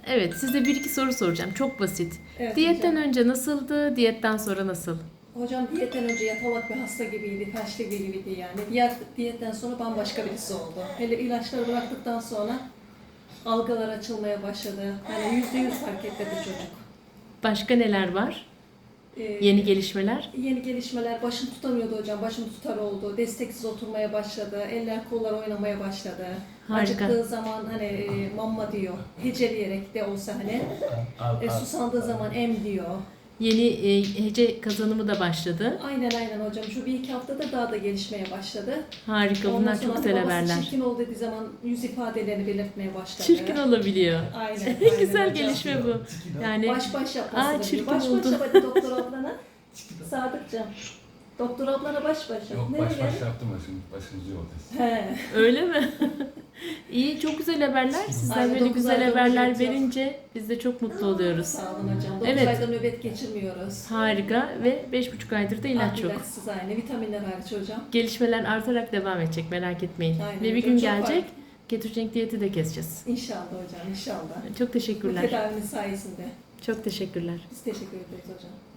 Evet, size bir iki soru soracağım. Çok basit. Evet Diyetten hocam. önce nasıldı, diyetten sonra nasıl? Hocam diyetten önce yatalak bir hasta gibiydi, felçli gibiydi yani. Diyetten sonra bambaşka birisi oldu. Hele ilaçları bıraktıktan sonra algılar açılmaya başladı. Hani %100 fark etti çocuk. Başka neler var? Yeni gelişmeler? Yeni gelişmeler, başını tutamıyordu hocam, başını tutar oldu, desteksiz oturmaya başladı, eller kollar oynamaya başladı. Harika. Acıktığı zaman hani mamma diyor, heceleyerek de olsa hani, susandığı zaman em diyor. Yeni hece kazanımı da başladı. Aynen hocam, şu bir iki haftada daha da gelişmeye başladı. Harika, Ondan bunlar sonra çok hani güzel babası haberler. çirkin ol dediği zaman yüz ifadelerini belirtmeye başladı. Çirkin olabiliyor. Aynen Güzel hocam. gelişme bu. Yani Baş yapması. çirkin Baş oldu. başa hadi doktor ablana. Sadıkcığım. Doktor ablana baş başa. Yok Nereye? baş yaptım şimdi başıncı yol. He. Öyle mi? İyi, çok güzel haberler. Sizler Aynen, böyle 9 güzel ayda haberler nöbet yok. verince biz de çok mutlu oluyoruz. Sağ olun hocam. 9 Evet. ayda nöbet geçirmiyoruz. Harika ve 5,5 aydır da ilaç yok. İlaçsız aynı. Vitaminler hariç hocam. Gelişmeler artarak devam edecek, merak etmeyin. Aynen Ve bir hocam, gün çok gelecek, ketojenik diyeti de keseceğiz. İnşallah hocam, inşallah. Çok Bu teşekkürler. tedavinin sayesinde. Çok teşekkürler. Biz teşekkür ederiz hocam.